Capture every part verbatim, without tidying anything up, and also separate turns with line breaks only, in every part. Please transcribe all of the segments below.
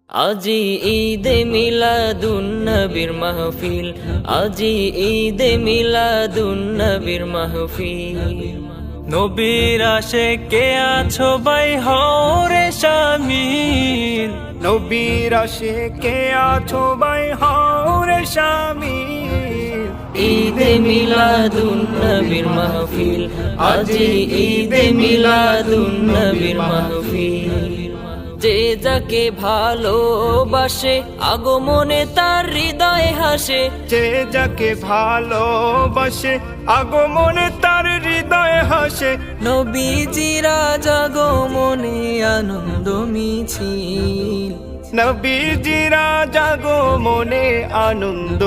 আজি ঈদে মিলাদুন নবীর মাহফিল, আজি ঈদে মিলাদুন নবীর মাহফিল।
নবীর আশিকে আছো ভাই হও রে শামিল,
নবীর আশিকে আছো ভাই হও রে শামিল।
ঈদে মিলাদুন নবীর মাহফিল, আজি ঈদে মিলাদুন নবীর মাহফিল। যে যাকে ভালোবাসে আগমনে তার হৃদয়ে হাসে,
যে যাকে ভালোবাসে আগমনে তার হৃদয়ে হাসে।
নবীজিরা আগমনে আনন্দ মিছিল,
নবীজিরা আগমনে আনন্দ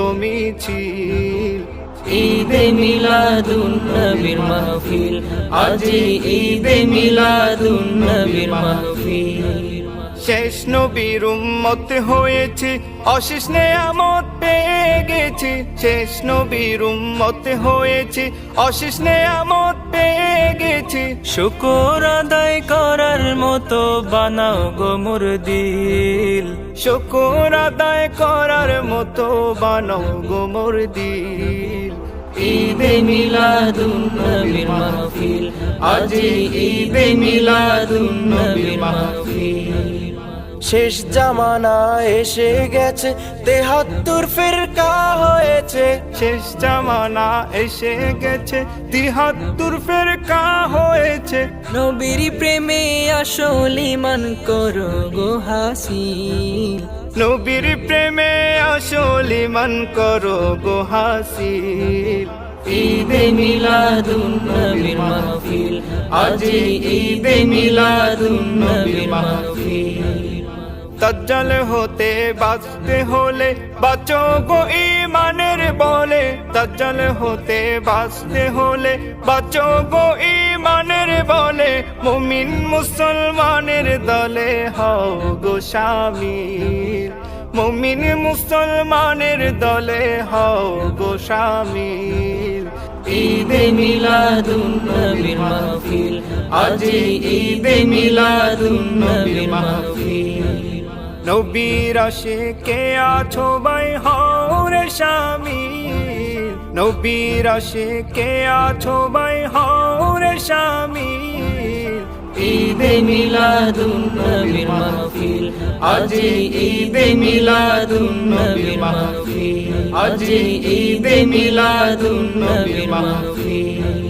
মিছিল।
ঈদে মিলাদুন নবীর মাহফিল, আজি ঈদে মিলাদুন নবীর মাহফিল।
শেষ নবীর উম্মত হয়েছে, অশেষ নেয়ামত পেয়ে গেছি। শেষ নবীর উম্মত হয়েছে, অশেষ নেয়ামত পেয়ে গেছি।
শুকর আদায় করার মতো বানাও গো মোর দিল,
শুকর আদায় করার মতো বানাও গো মোর দিল।
ঈদে মিলাদুন নবীর মাহফিল, আজি ঈদে মিলাদুন নবীর মাহফিল।
শেষ জামানা এসে গেছে, তেহাত্তর ফিরকা হয়েছে। শেষ জামানা এসে গেছে, তিহাত্তর ফিরকা হয়েছে।
নবীর প্রেমে আসল ঈমান করো গো হাসিল,
নবীর প্রেমে আসল ঈমান করো গো হাসিল।
ঈদে মিলাদুন নবীর মাহফিল, আজি ঈদে মিলাদুন নবীর মাহফিল।
দাজ্জাল হতে বাঁচতে হলে বাঁচো গো ঈমানের বলে। দাজ্জাল হতে বাঁচতে হলে বাঁচো গো ঈমানের বলে। মুমিন মুসলমানের দলে হও গো শামিল, মুমিন মুসলমানের দলে হও গো শামিল।
ঈদে মিলাদুন নবীর মাহফিল, আজি ঈদে মিলাদুন নবীর মাহফিল।
নবীর আশিকে আছো ভাই হও রে শামিল, নবীর আশিকে আছো ভাই হও রে শামিল।
ঈদে মিলাদুন নবীর মাহফিল, আজি ঈদে মিলাদুন নবীর মাহফিল, আজি ঈদে মিলাদুন নবীর মাহফিল।